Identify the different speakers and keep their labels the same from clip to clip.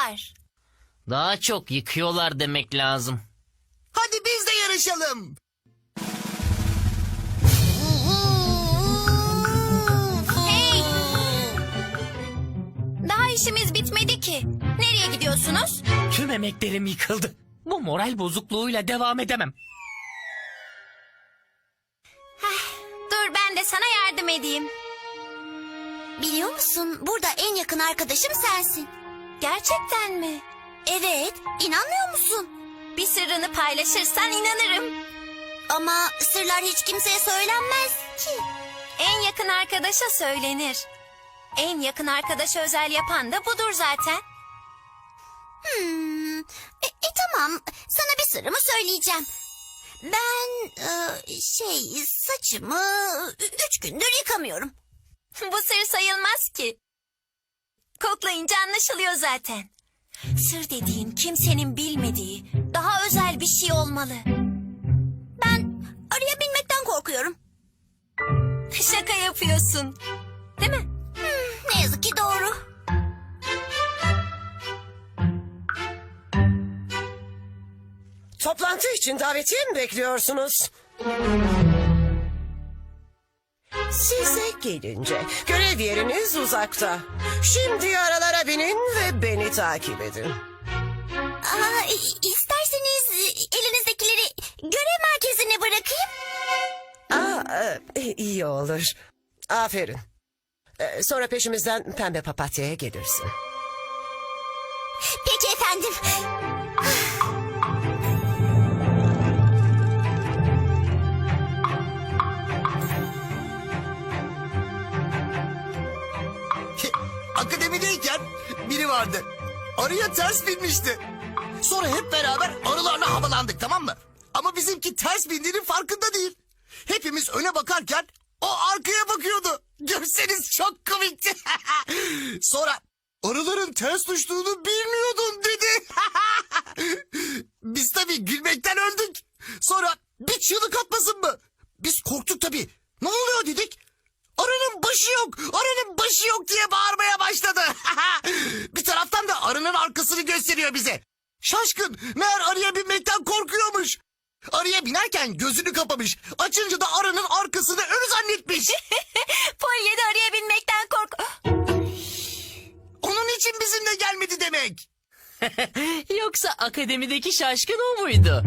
Speaker 1: yapıyorlar.
Speaker 2: Daha çok yıkıyorlar demek lazım.
Speaker 3: Hadi biz de yarışalım.
Speaker 1: Hey! Daha işimiz bitmedi ki. Nereye gidiyorsunuz?
Speaker 2: Tüm emeklerim yıkıldı. Bu moral bozukluğuyla devam edemem.
Speaker 1: Dur ben de sana yardım edeyim.
Speaker 4: Biliyor musun, burada en yakın arkadaşım sensin.
Speaker 1: Gerçekten mi?
Speaker 4: Evet, inanmıyor musun?
Speaker 1: Bir sırrını paylaşırsan inanırım.
Speaker 4: Ama sırlar hiç kimseye söylenmez ki.
Speaker 1: En yakın arkadaşa söylenir. En yakın arkadaşa özel yapan da budur zaten.
Speaker 4: Tamam, sana bir sırrımı söyleyeceğim. Ben saçımı 3 gündür yıkamıyorum.
Speaker 1: Bu sır sayılmaz ki. Koklayınca anlaşılıyor zaten. Sır dediğin kimsenin bilmediği, daha özel bir şey olmalı.
Speaker 4: Ben araya binmekten korkuyorum.
Speaker 1: Şaka yapıyorsun. Değil mi?
Speaker 4: Ne yazık ki doğru.
Speaker 5: Toplantı için davetiye mi bekliyorsunuz? Size gelince görev yeriniz uzakta. Şimdi aralara binin ve beni takip edin.
Speaker 4: İsterseniz elinizdekileri görev merkezine bırakayım.
Speaker 5: İyi olur. Aferin. Sonra peşimizden pembe papatyaya gelirsin.
Speaker 4: Peki efendim.
Speaker 3: Akademideyken biri vardı. Arıya ters binmişti. Sonra hep beraber arılarla havalandık, tamam mı? Ama bizimki ters bindiğinin farkında değil. Hepimiz öne bakarken o arkaya bakıyordu. Görseniz çok komikti. Sonra arıların ters düştüğünü bilmiyordun dedi. Biz tabii gülmekten öldük. Sonra bir çığlık atmasın mı? Biz korktuk tabii. Ne oluyor dedik. Arının başı yok, arının başı yok diye bağırmaya başladı. Bir taraftan da arının arkasını gösteriyor bize. Şaşkın, meğer arıya binmekten korkuyormuş. Arıya binerken gözünü kapamış. Açınca da arının arkasını önü zannetmiş.
Speaker 1: Polye de araya binmekten kork...
Speaker 3: Onun için bizimle gelmedi demek.
Speaker 2: Yoksa akademideki şaşkın o muydu?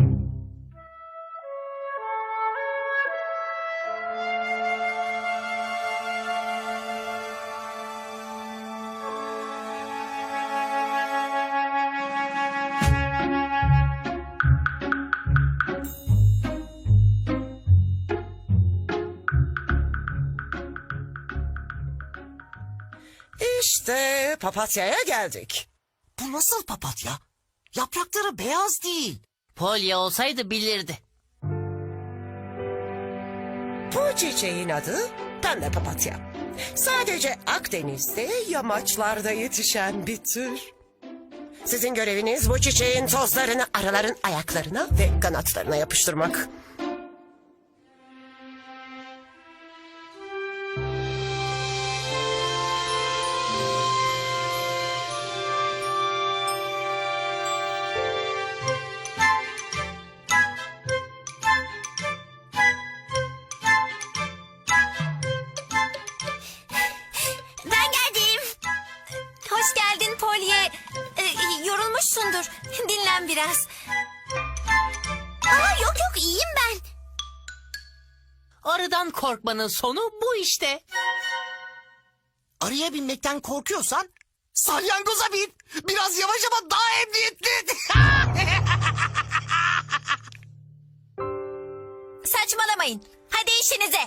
Speaker 5: İşte papatyaya geldik.
Speaker 3: Bu nasıl papatya? Yaprakları beyaz değil.
Speaker 2: Polya olsaydı bilirdi.
Speaker 5: Bu çiçeğin adı pembe papatya. Sadece Akdeniz'de yamaçlarda yetişen bir tür. Sizin göreviniz bu çiçeğin tozlarını arıların ayaklarına ve kanatlarına yapıştırmak.
Speaker 4: Ben geldim.
Speaker 1: Hoş geldin Polye. Yorulmuşsundur. Dinlen biraz.
Speaker 4: Yok iyiyim ben.
Speaker 2: Arıdan korkmanın sonu bu işte.
Speaker 3: Arıya binmekten korkuyorsan salyangoza bin. Biraz yavaş ama daha emniyetli.
Speaker 1: Saçmalamayın. Hadi işinize.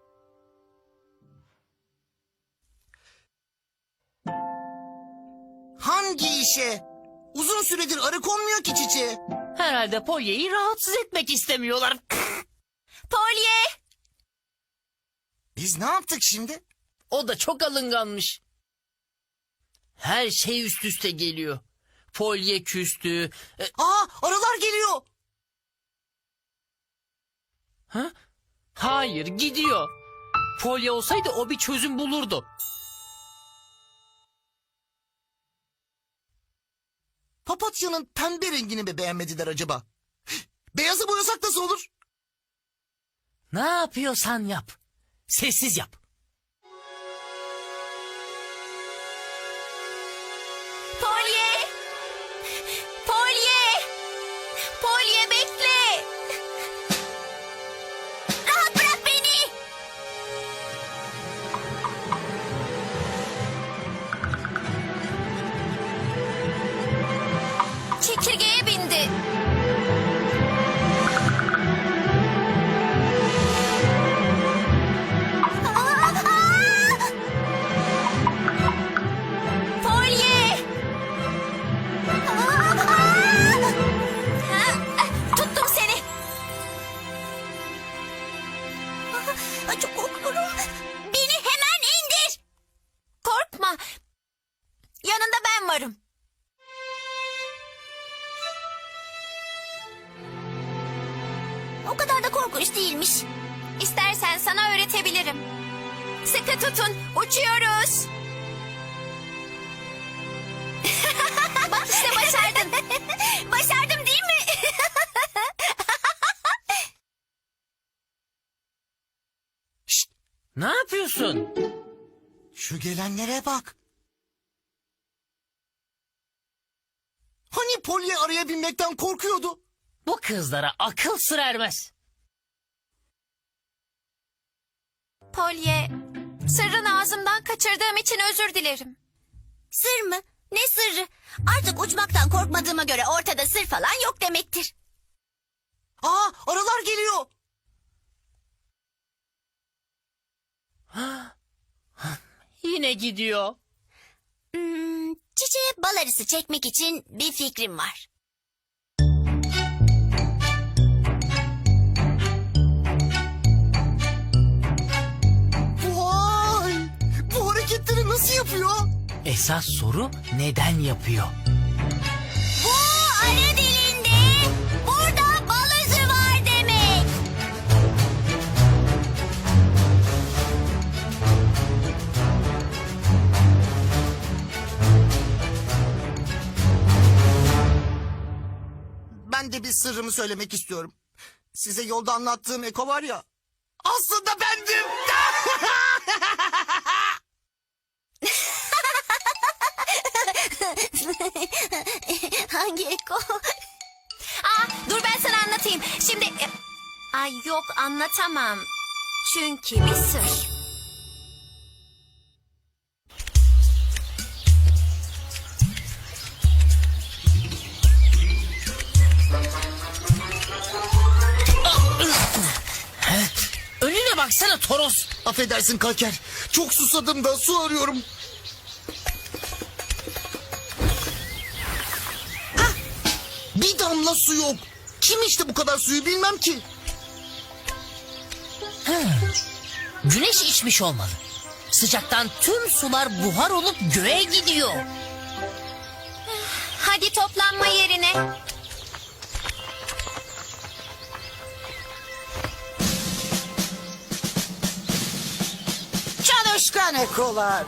Speaker 3: Hangi işe? Uzun süredir arı konmuyor ki çiçeğe.
Speaker 2: Herhalde Polya'yı rahatsız etmek istemiyorlar.
Speaker 1: Polye.
Speaker 3: Biz ne yaptık şimdi?
Speaker 2: O da çok alınganmış. Her şey üst üste geliyor. Polye küstü.
Speaker 3: Arılar geliyor.
Speaker 2: Ha? Hayır, gidiyor. Polye olsaydı o bir çözüm bulurdu.
Speaker 3: Papatyanın pembe rengini mi beğenmediler acaba? Beyazı boyasak nasıl olur?
Speaker 2: Ne yapıyorsan yap. Sessiz yap.
Speaker 1: Polye! Polye! Polye bekle!
Speaker 4: Rahat bırak beni.
Speaker 1: Çekirgeye bindi. Polye! Tuttum seni.
Speaker 4: Çok korkuyorum. Beni hemen indir.
Speaker 1: Korkma. Yanında ben varım.
Speaker 4: O kadar da korkunç değilmiş.
Speaker 1: İstersen sana öğretebilirim. Sıkı tutun. Uçuyoruz. Bak işte başardın.
Speaker 4: Başardım değil mi?
Speaker 2: Ne yapıyorsun?
Speaker 3: Şu gelenlere bak. Hani Polly araya binmekten korkuyordu?
Speaker 2: Bu kızlara akıl sır ermez.
Speaker 1: Polye, sırrını ağzımdan kaçırdığım için özür dilerim.
Speaker 4: Sır mı? Ne sırrı? Artık uçmaktan korkmadığıma göre ortada sır falan yok demektir.
Speaker 3: Aa, arılar geliyor.
Speaker 2: Yine gidiyor.
Speaker 4: Çiçeğe bal arısı çekmek için bir fikrim var.
Speaker 3: Vay! Bu hareketleri nasıl yapıyor?
Speaker 2: Esas soru neden yapıyor?
Speaker 4: Bu arı dilinde burada bal özü var demek.
Speaker 3: Ben de bir sırrımı söylemek istiyorum. Size yolda anlattığım Eko var ya. Aslında bendim.
Speaker 4: Hangi Eko?
Speaker 1: Dur ben sana anlatayım. Şimdi... Ay yok anlatamam. Çünkü bir sır.
Speaker 2: Önüne baksana Toros.
Speaker 3: Affedersin Kalker. Çok susadım da su arıyorum. Hah! Bir damla su yok. Kim içti bu kadar suyu bilmem ki.
Speaker 2: Güneş içmiş olmalı. Sıcaktan tüm sular buhar olup göğe gidiyor.
Speaker 1: Hadi toplanma yerine.
Speaker 5: Çalışkan ekolar.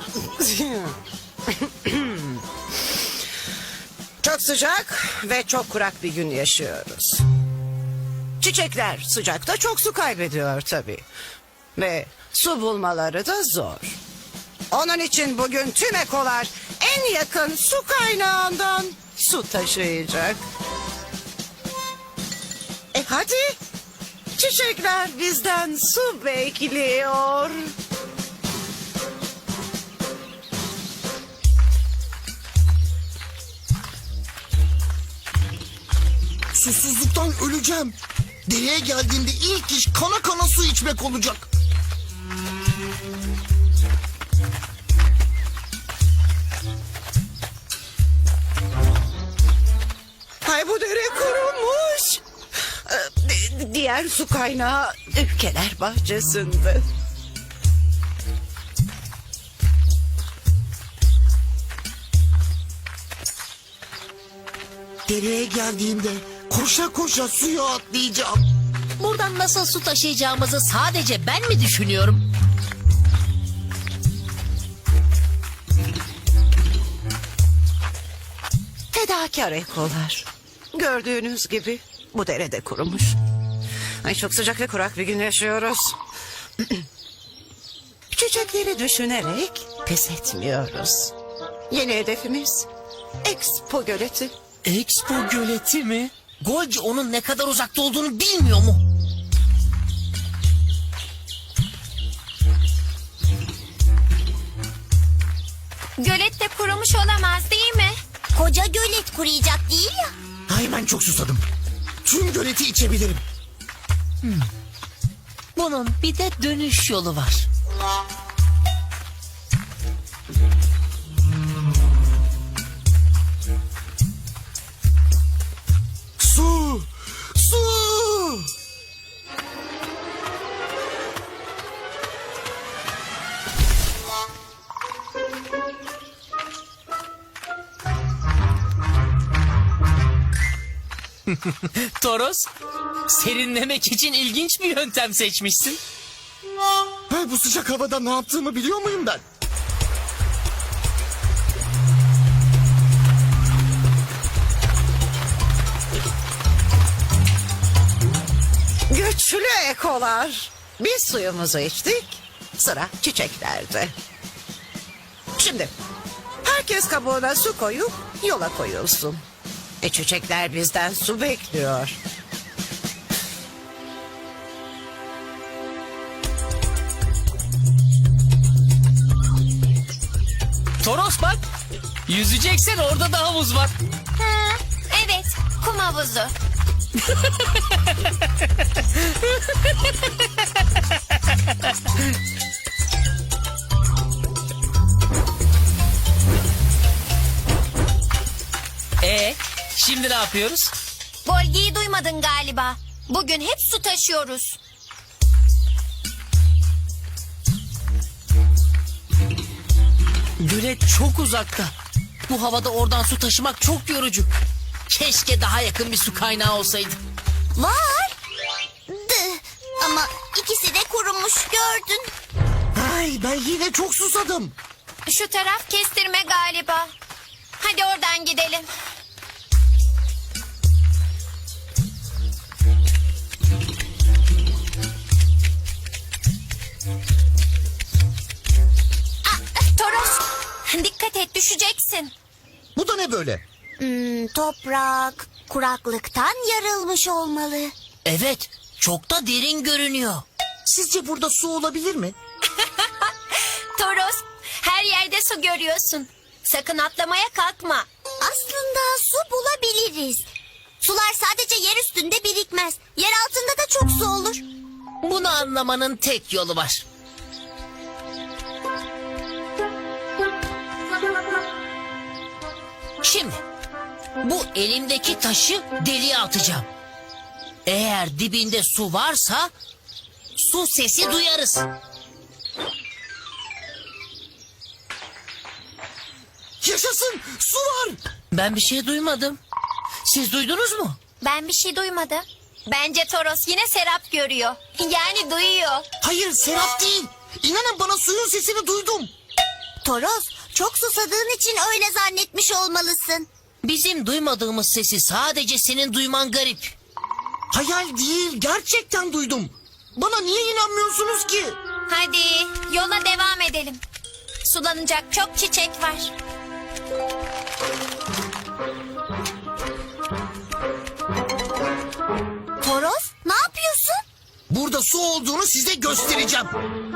Speaker 5: Çok sıcak ve çok kurak bir gün yaşıyoruz. Çiçekler sıcakta çok su kaybediyor tabii. Ve su bulmaları da zor. Onun için bugün tüm ekolar en yakın su kaynağından su taşıyacak. Hadi. Çiçekler bizden su bekliyor.
Speaker 3: Susuzluktan öleceğim. Dereye geldiğimde ilk iş kana kana su içmek olacak.
Speaker 5: Ay bu dere kurumuş. Diğer su kaynağı ülkeler bahçesinde.
Speaker 3: Dereye geldiğimde koşa koşa suya atlayacağım.
Speaker 2: Buradan nasıl su taşıyacağımızı sadece ben mi düşünüyorum?
Speaker 6: Fedakar ekolar. Gördüğünüz gibi bu derede kurumuş. Ay çok sıcak ve kurak bir gün yaşıyoruz. Çiçekleri düşünerek pes etmiyoruz. Yeni hedefimiz Expo Göleti.
Speaker 2: Expo göleti mi? Golgi onun ne kadar uzakta olduğunu bilmiyor mu?
Speaker 1: Gölet de kurumuş olamaz değil mi?
Speaker 4: Koca gölet kuruyacak değil ya.
Speaker 3: Ay ben çok susadım. Tüm göleti içebilirim.
Speaker 2: Bunun bir de dönüş yolu var.
Speaker 3: Su! Su!
Speaker 2: Toros, serinlemek için ilginç bir yöntem seçmişsin.
Speaker 3: Ha, bu sıcak havada ne yaptığımı biliyor muyum ben?
Speaker 6: Güçlü ekolar. Biz suyumuzu içtik. Sıra çiçeklerde. Şimdi herkes kabuğuna su koyup yola koyulsun. Çiçekler bizden su bekliyor.
Speaker 2: Toros bak, yüzeceksen orada da havuz var.
Speaker 1: Ha, evet, kum havuzu.
Speaker 2: Şimdi ne yapıyoruz?
Speaker 1: Golgi'yi duymadın galiba. Bugün hep su taşıyoruz.
Speaker 2: Gölet çok uzakta. Bu havada oradan su taşımak çok yorucu. Keşke daha yakın bir su kaynağı olsaydı.
Speaker 4: Var. Ama ikisi de kurumuş gördün.
Speaker 3: Ay ben yine çok susadım.
Speaker 1: Şu taraf kestirme galiba. Hadi oradan gidelim. Toros, dikkat et düşeceksin.
Speaker 3: Bu da ne böyle?
Speaker 4: Toprak kuraklıktan yarılmış olmalı.
Speaker 2: Evet, çok da derin görünüyor.
Speaker 3: Sizce burada su olabilir mi?
Speaker 1: Toros, her yerde su görüyorsun. Sakın atlamaya kalkma.
Speaker 4: Aslında su bulabiliriz. Sular sadece yer üstünde birikmez. Yer altında da çok su olur.
Speaker 2: Bunu anlamanın tek yolu var. Şimdi bu elimdeki taşı deliğe atacağım. Eğer dibinde su varsa su sesi duyarız.
Speaker 3: Yaşasın! Su var!
Speaker 2: Ben bir şey duymadım. Siz duydunuz mu?
Speaker 1: Ben bir şey duymadım. Bence Toros yine Serap görüyor. Yani duyuyor.
Speaker 3: Hayır Serap değil. İnanın bana suyun sesini duydum.
Speaker 4: Toros, çok susadığın için öyle zannetmiş olmalısın.
Speaker 2: Bizim duymadığımız sesi sadece senin duyman garip.
Speaker 3: Hayal değil, gerçekten duydum. Bana niye inanmıyorsunuz ki?
Speaker 1: Hadi yola devam edelim. Sulanacak çok çiçek var.
Speaker 4: Toros, ne yapıyorsun?
Speaker 3: Burada su olduğunu size göstereceğim.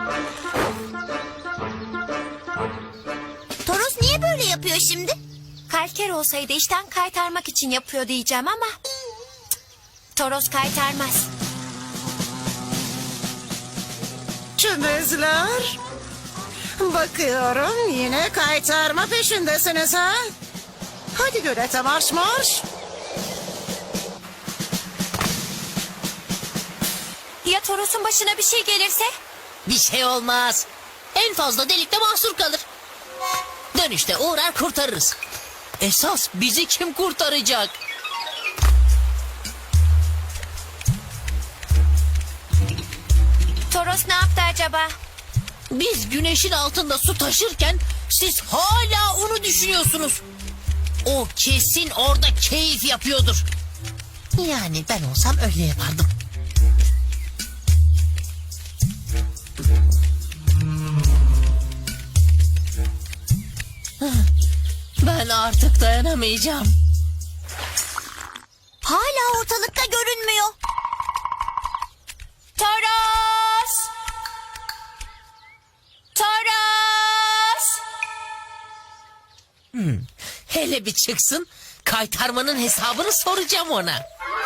Speaker 4: Toros niye böyle yapıyor şimdi?
Speaker 1: Kalker olsaydı işten kaytarmak için yapıyor diyeceğim ama... cık, Toros kaytarmaz.
Speaker 6: Çömezler. Bakıyorum yine kaytarma peşindesiniz ha. Hadi gölete marş marş.
Speaker 1: Ya Toros'un başına bir şey gelirse?
Speaker 2: Bir şey olmaz. En fazla delikte mahsur kalır. Dönüşte uğrar kurtarırız. Esas bizi kim kurtaracak?
Speaker 1: Toros ne yaptı acaba?
Speaker 2: Biz güneşin altında su taşırken siz hala onu düşünüyorsunuz. O kesin orada keyif yapıyordur. Yani ben olsam öyle yapardım. Ben artık dayanamayacağım.
Speaker 4: Hala ortalıkta görünmüyor.
Speaker 1: Toros! Toros!
Speaker 2: Hele bir çıksın, kaytarmanın hesabını soracağım ona.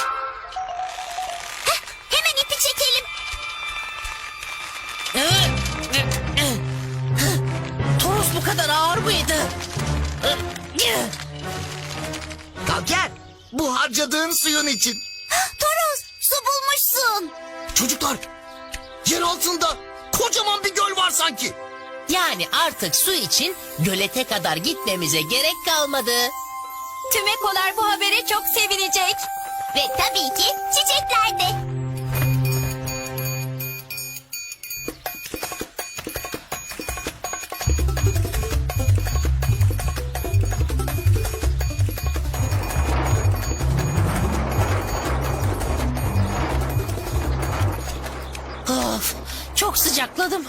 Speaker 4: Hemen ipi çekelim.
Speaker 2: Toros bu kadar ağır mıydı?
Speaker 3: Al gel. Bu harcadığın suyun için.
Speaker 4: Toros, su bulmuşsun.
Speaker 3: Çocuklar, yer altında kocaman bir göl var sanki.
Speaker 2: Yani artık su için gölete kadar gitmemize gerek kalmadı.
Speaker 1: Tüm ekolar bu habere çok sevinecek.
Speaker 4: Ve tabii ki çiçekler de.
Speaker 2: Of, çok sıcakladım.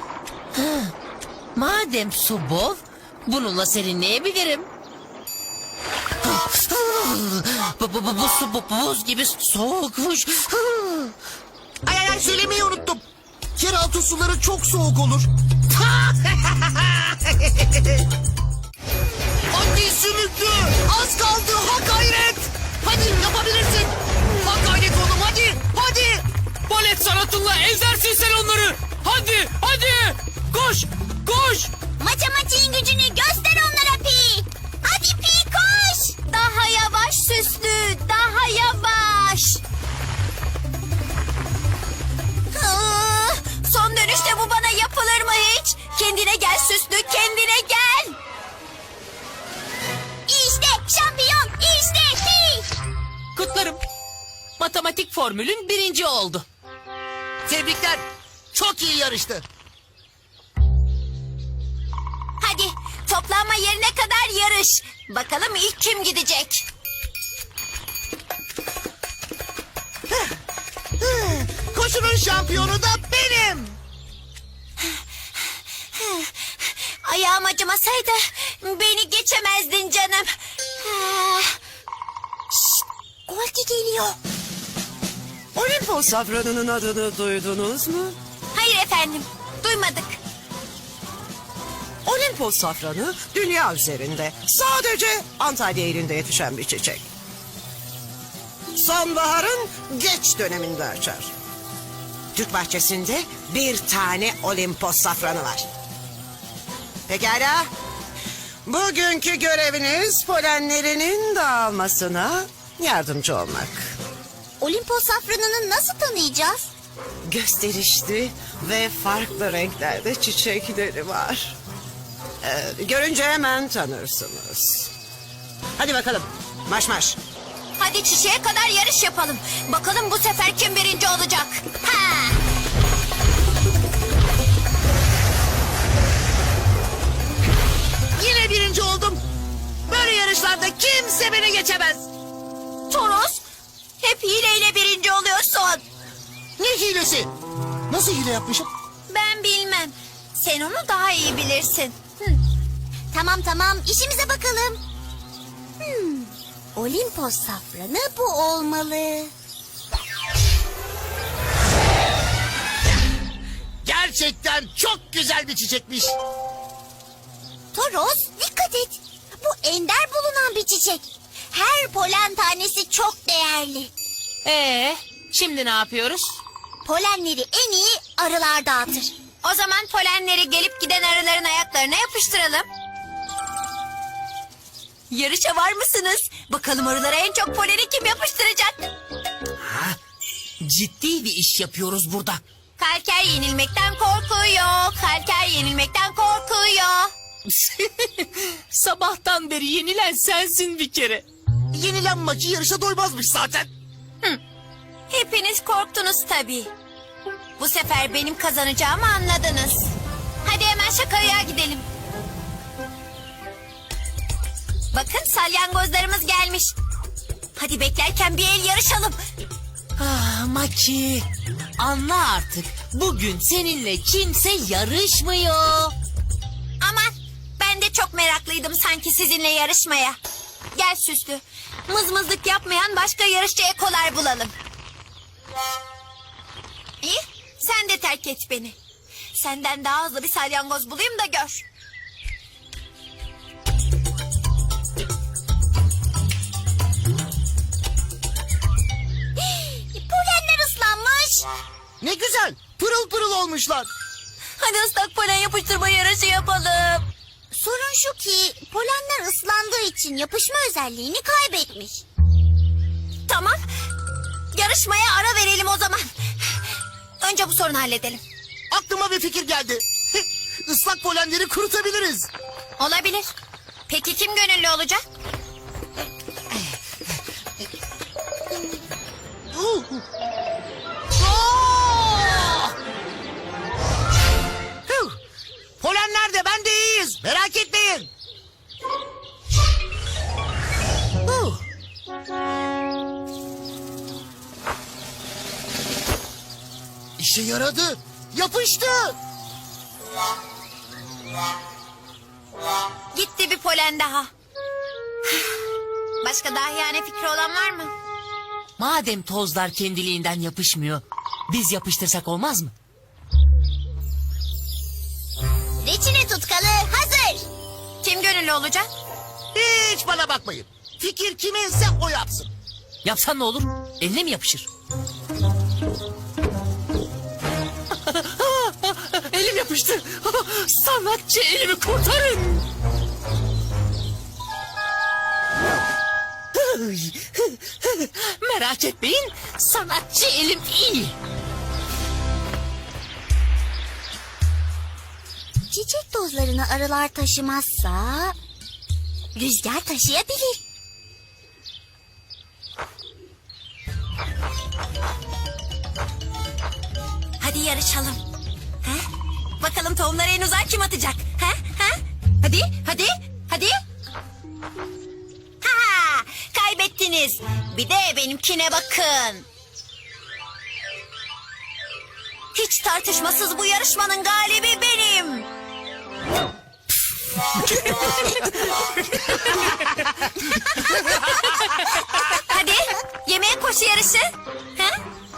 Speaker 2: Madem su bol, bununla serinleyebilirim. Bu su buz gibi soğukmuş.
Speaker 3: Ay söylemeyi unuttum. Yeraltı suları çok soğuk olur. Hadi sümüklü. Az kaldı. Ha gayret. Hadi yapabilirsin. Ha gayret oğlum hadi. Hadi.
Speaker 7: Balet sanatınla ezersin sen onları. Hadi, hadi. Koş, koş.
Speaker 4: Matematiğin gücünü göster onlara Pi. Hadi Pi koş.
Speaker 1: Daha yavaş Süslü, daha yavaş. Son dönüşte bu bana yapılır mı hiç? Kendine gel Süslü, kendine gel.
Speaker 4: İşte şampiyon, işte Pi.
Speaker 2: Kutlarım. Matematik formülün 1. oldu.
Speaker 3: Tebrikler. Çok iyi yarıştı.
Speaker 1: Hadi toplanma yerine kadar yarış. Bakalım ilk kim gidecek?
Speaker 3: Koşunun şampiyonu da benim.
Speaker 1: Ayağım acımasaydı beni geçemezdin canım. Şşt, Golgi geliyor.
Speaker 6: Olimpos safranının adını duydunuz mu?
Speaker 1: Hayır efendim, duymadık.
Speaker 6: Olimpos safranı dünya üzerinde sadece Antalya ilinde yetişen bir çiçek. Sonbaharın geç döneminde açar. Türk bahçesinde bir tane Olimpos safranı var. Pekala. Bugünkü göreviniz polenlerinin dağılmasına yardımcı olmak.
Speaker 4: Olimpos safranını nasıl tanıyacağız?
Speaker 6: Gösterişli ve farklı renklerde çiçekleri var. Görünce hemen tanırsınız. Hadi bakalım. Marş marş.
Speaker 1: Hadi çiçeğe kadar yarış yapalım. Bakalım bu sefer kim birinci olacak? Ha!
Speaker 3: Yine birinci oldum. Böyle yarışlarda kimse beni geçemez.
Speaker 1: Toros, hep hileyle birinci oluyorsun.
Speaker 3: Ne hilesi? Nasıl hile yapmışım?
Speaker 1: Ben bilmem. Sen onu daha iyi bilirsin.
Speaker 4: Tamam işimize bakalım. Olimpos safranı bu olmalı.
Speaker 3: Gerçekten çok güzel bir çiçekmiş.
Speaker 4: Toros dikkat et. Bu ender bulunan bir çiçek. Her polen tanesi çok değerli.
Speaker 2: Şimdi ne yapıyoruz?
Speaker 4: Polenleri en iyi arılar dağıtır.
Speaker 1: O zaman polenleri gelip giden arıların ayaklarına yapıştıralım. Yarışa var mısınız? Bakalım arılara en çok poleni kim yapıştıracak?
Speaker 2: Ciddi bir iş yapıyoruz burada.
Speaker 1: Kalker yenilmekten korkuyor. Kalker yenilmekten korkuyor.
Speaker 2: Sabahtan beri yenilen sensin bir kere.
Speaker 3: Yenilen maçı yarışa doymazmış zaten.
Speaker 1: Hepiniz korktunuz tabii. Bu sefer benim kazanacağımı anladınız. Hadi hemen şakaya gidelim. Bakın salyangozlarımız gelmiş. Hadi beklerken bir el yarışalım.
Speaker 2: Ah Maki, anla artık. Bugün seninle kimse yarışmıyor.
Speaker 1: Aman ben de çok meraklıydım sanki sizinle yarışmaya. Gel Süslü. Mızmızlık yapmayan başka yarışçı ekolar bulalım. İyi, sen de terk et beni. Senden daha hızlı bir salyangoz bulayım da gör.
Speaker 4: Polenler ıslanmış.
Speaker 3: Ne güzel. Pırıl pırıl olmuşlar.
Speaker 1: Hadi ıslak polen yapıştırma yarışı yapalım.
Speaker 4: Sorun şu ki polenler ıslandığı için yapışma özelliğini kaybetmiş.
Speaker 1: Tamam. Yarışmaya ara verelim o zaman. Önce bu sorunu halledelim.
Speaker 3: Aklıma bir fikir geldi. Islak polenleri kurutabiliriz.
Speaker 1: Olabilir. Peki kim gönüllü olacak?
Speaker 3: Hıh! Polenler de ben de iyiyiz. Merak etmeyin. Huh! İşe yaradı. Yapıştı.
Speaker 1: Gitti bir polen daha. Başka dahiyane fikri olan var mı?
Speaker 2: Madem tozlar kendiliğinden yapışmıyor, biz yapıştırsak olmaz mı?
Speaker 4: Reçine tutkalı hazır.
Speaker 1: Kim gönüllü olacak?
Speaker 3: Hiç bana bakmayın. Fikir kiminse o yapsın.
Speaker 2: Yapsan ne olur? Eline mi yapışır? Elim yapıştı. Sanatçı elimi kurtarın. Merak etmeyin, sanatçı elim iyi.
Speaker 4: Çiçek tozlarını arılar taşımazsa rüzgar taşıyabilir.
Speaker 1: Hadi yarışalım. Ha? Bakalım tohumları en uzağa kim atacak? Ha? Ha? Hadi, hadi, hadi. Ha! Kaybettiniz. Bir de benimkine bakın. Hiç tartışmasız bu yarışmanın galibi benim. Hadi yemeğe koşu yarışı. Ha?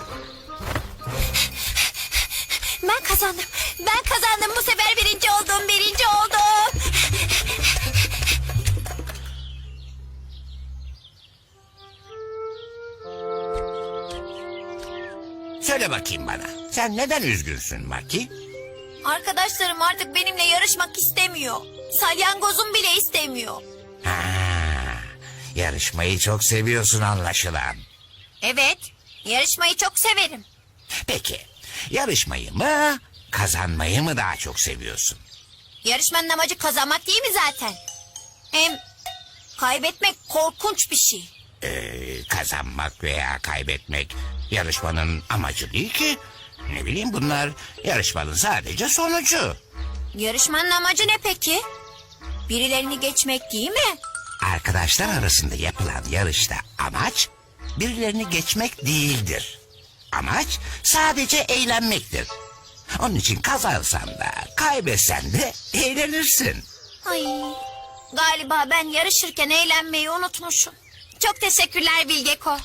Speaker 1: Ben kazandım. Ben kazandım. Bu sefer birinci oldum. Birinci oldum.
Speaker 8: Söyle bakayım bana. Sen neden üzgünsün Maki?
Speaker 1: Arkadaşlarım artık benimle yarışmak istemiyor. Salyangozum bile istemiyor.
Speaker 8: Ha, yarışmayı çok seviyorsun anlaşılan.
Speaker 1: Evet, yarışmayı çok severim.
Speaker 8: Peki, yarışmayı mı, kazanmayı mı daha çok seviyorsun?
Speaker 1: Yarışmanın amacı kazanmak değil mi zaten? Hem kaybetmek korkunç bir şey.
Speaker 8: Kazanmak veya kaybetmek yarışmanın amacı değil ki. Ne bileyim bunlar yarışmanın sadece sonucu.
Speaker 1: Yarışmanın amacı ne peki? Birilerini geçmek değil mi?
Speaker 8: Arkadaşlar arasında yapılan yarışta amaç birilerini geçmek değildir. Amaç sadece eğlenmektir. Onun için kazansan da kaybetsen de eğlenirsin.
Speaker 1: Ay, galiba ben yarışırken eğlenmeyi unutmuşum. Çok teşekkürler Bilgeko.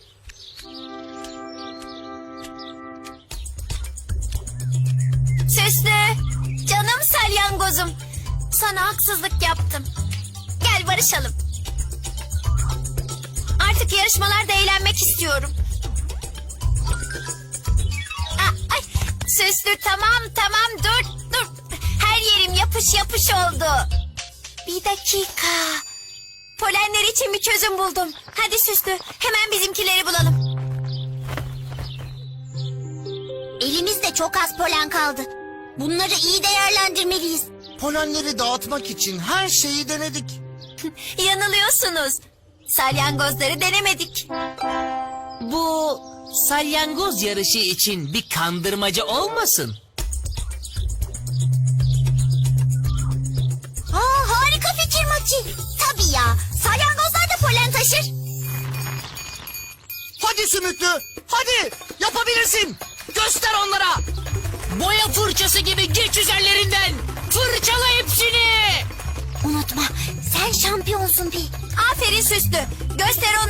Speaker 1: Süslü, canım salyangozum. Sana haksızlık yaptım. Gel barışalım. Artık yarışmalarda eğlenmek istiyorum. Ay, Süslü tamam dur. Her yerim yapış yapış oldu. Bir dakika. Polenler için bir çözüm buldum. Hadi Süslü hemen bizimkileri bulalım.
Speaker 4: Elimizde çok az polen kaldı. Bunları iyi değerlendirmeliyiz.
Speaker 3: Polenleri dağıtmak için her şeyi denedik.
Speaker 1: Yanılıyorsunuz. Salyangozları denemedik.
Speaker 2: Bu salyangoz yarışı için bir kandırmaca olmasın?
Speaker 4: Harika fikir Maki. Tabii ya. Salyangozlar da polen taşır.
Speaker 3: Hadi Sümüklü, hadi yapabilirsin. Göster onlara.
Speaker 2: Boya fırçası gibi geç üzerlerinden. Fırçala hepsini.
Speaker 4: Unutma sen şampiyonsun Pi.
Speaker 1: Aferin Süslü. Göster